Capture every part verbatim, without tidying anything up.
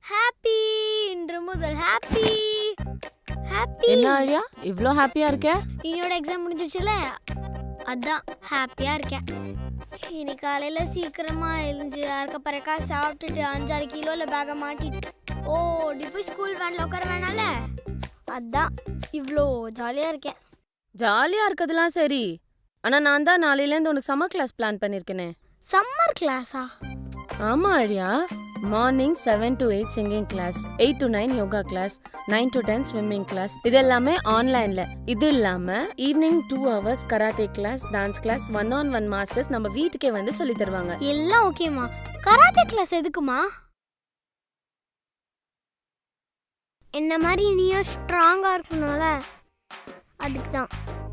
Happy இன்று முதல் happy happy. என்ன ஆழியா இவ்ளோ ஹாப்பியா இருக்க? என்னோட எக்ஸாம் முடிஞ்சிச்சுல, அதான் ஹாப்பியா இருக்கேன். இன்னைக்கு காலையில சீக்கிரமா எழுந்து அரைக்க பறக்கா சாப்பிட்டுட்டு அஞ்சாறு கிலோல பேக மாட்டிட்டு ஓடி போய் ஸ்கூல் வேன்ல உட்கார வேணால, அதான் இவ்வளோ ஜாலியா இருக்கேன். ஜாலியா இருக்கதெல்லாம் சரி, ஆனா நான் தான் நாளையிலேருந்து உனக்கு சம்மர் கிளாஸ் பிளான் பண்ணிருக்கேனே. சம்மர் கிளாஸா? ஆமா Aazhiya, morning seven to eight singing class, eight to nine yoga class, nine to ten swimming class, இது எல்லாமே ஆன்லைன்ல. இது இல்லாம evening two hours karate class, dance class, one on one masters நம்ம வீட்டுக்கே வந்து சொல்லி தருவாங்க. எல்லாம் ஓகேமா. கராத்தே கிளாஸ் எதுக்குமா? என்ன மாதிரி நீயும் ஸ்ட்ராங்கா இருக்கணும்ல, அதுக்கு தான்.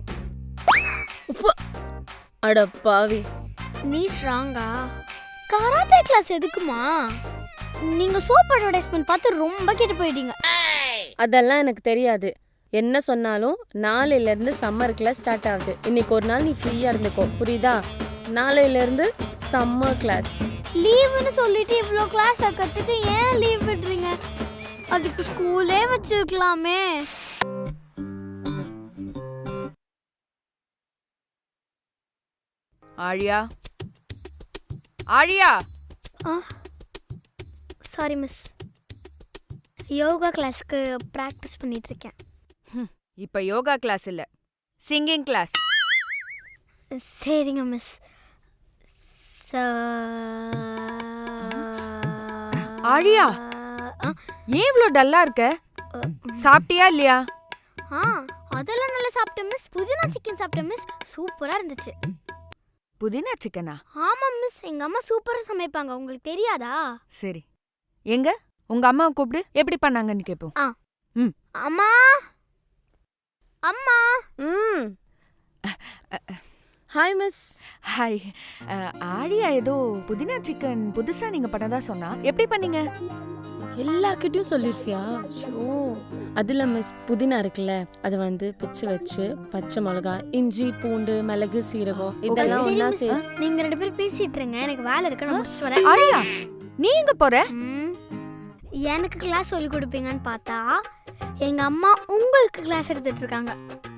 அட பாவி, நீ ஸ்ட்ராங்கா? கராத்தே கிளாஸ் எதுக்குமா? நீங்க சோப் அட்வர்டைஸ்மென்ட் பார்த்து ரொம்ப கெட்டு போயிட்டீங்க. அதெல்லாம் எனக்கு தெரியாது. என்ன சொன்னாலும் நாளையில இருந்து சம்மர் கிளாஸ் ஸ்டார்ட் ஆகுது. இன்னைக்கு ஒரு நாள் நீ ஃப்ரீயா இருந்துக்கோ, புரியுதா? நாளையில இருந்து சம்மர் கிளாஸ். லீவுன்னு சொல்லிட்டு இவ்ளோ கிளாஸ் வைக்கிறதுக்கு ஏன் லீவ் விடுறீங்க? அதுக்கு ஸ்கூலே வச்சிருக்கலாமே. ஆழியா, ஆழியா. சாரி மிஸ், யோகா கிளாஸ்க்கு பிராக்டிஸ் பண்ணிட்டு இருக்கேன். இப்ப யோகா கிளாஸ் இல்ல, சிங்கிங் கிளாஸ். சரிங்க மிஸ். ஆழியா, ஏன் இவ்ளோ டல்லா இருக்க? சாப்பிட்டியா இல்லையா? ஆ, அதெல்லாம் நல்லா சாப்பிட்டேன் மிஸ். புதினா சிக்கன் சாப்பிட்டேன் மிஸ், சூப்பரா இருந்துச்சு. புதினா சிக்கனா? ஆமா மிஸ், எங்க அம்மா சூப்பரா சமைப்பாங்க, உங்களுக்கு தெரியாதா? சரி, எங்க உங்க அம்மாவை கூப்பிடு, எப்படி பண்ணாங்கன்னு கேப்போம். ஆ. ம். அம்மா, அம்மா. ம். Hi miss. ஹாய். ஆழியா ஏதோ புதினா சிக்கன் புதுசா நீங்க பண்ணதா சொன்னா, எப்படி பண்ணீங்க? எல்லார்கிட்டயும் சொல்லிருப்பியா? ஷோ, அதுல மிஸ் புதினா இருக்குல்ல, அது வந்து பிச்சு வச்சு பச்சை மிளகா, இஞ்சி, பூண்டு, மிளகு, சீரகம் இதெல்லாம் சரி ஒண்ணா மிஸ், சே நீங்க ரெண்டு பேரும் பேசிட்டு இருங்க, எனக்கு வேலை இருக்கு, நான் முடிச்சிட்டு வரேன். ஆழியா, நீ எங்க போற? ம், எனக்கு கிளாஸ் சொல்லி கொடுப்பீங்கன்னு பார்த்தா எங்க அம்மா உங்களுக்கு கிளாஸ் எடுத்துட்டு இருக்காங்க.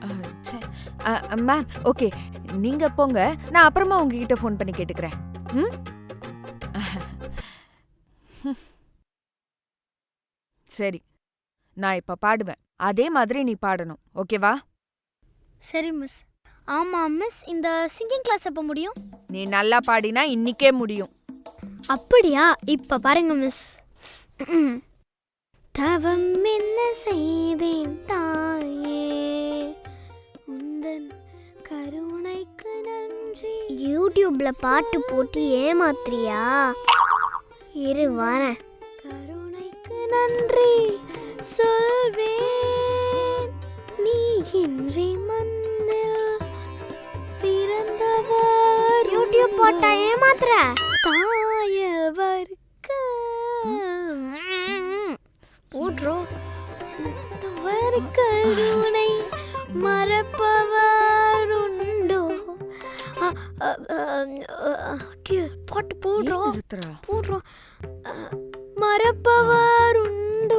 மேம், ஓகே, நீங்க போங்க, நான் அப்புறமா உங்ககிட்ட ஃபோன் பண்ணி கேட்டுக்கிறேன். ம். சரி, நான் இப்ப பாடுவேன், அதே மாதிரி நீ பாடணும், ஓகேவா? சரி மிஸ். ஆமா மிஸ், இந்த சிங்கிங் கிளாஸ் எப்போ முடியும்? நீ நல்லா பாடினா இன்னிக்கே முடியும். அப்படியா? இப்ப பாருங்க மிஸ். தவம் என்ன செய்தேன் தாயே, உந்தன் கருணைக்கு நன்றி. யூடியூப்ல பாட்டு போட்டு ஏமாத்துறியா? இரு வரேன். கருணைக்கு நன்றி சொல்வேன், நீ இன்றி மந்தில் பிறந்தவர். யூடியூப் போட்டா ஏமாத்துற? தாயவருக்கு போட்றோம். தவறு கருணை மறப்பவர் உண்டோ? பாட்டு போடுறோம் போடுறோம். மறப்பவர் உண்டோ?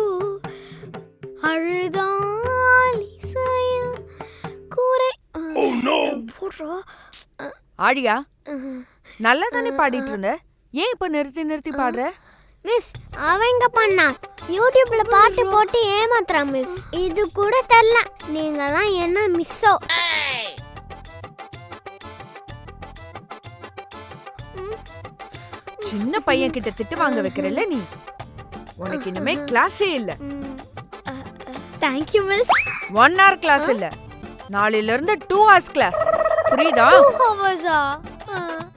அழுதால் இசையில் கூரை போடுறோம். ஆழியா, நல்லா தானே பாடிட்டு இருந்த, ஏன் இப்ப நிறுத்தி நிறுத்தி பாடுற? மிஸ், அவங்க பண்ணா யூடியூப்ல பாட்டு போட்டு ஏமாத்துறா மிஸ். இது கூட தெரியல, நீங்க தான் என்ன மிஸ்ஸோ. சின்ன பையன் கிட்ட திட்டு வாங்க வைக்கிறல்ல நீ, உனக்கு இனிமே கிளாஸே இல்ல. Thank you miss. One hour class இல்ல, நாளையில இருந்து டூ ஹவர்ஸ் கிளாஸ், புரியுதா? ஹவர்ஸா?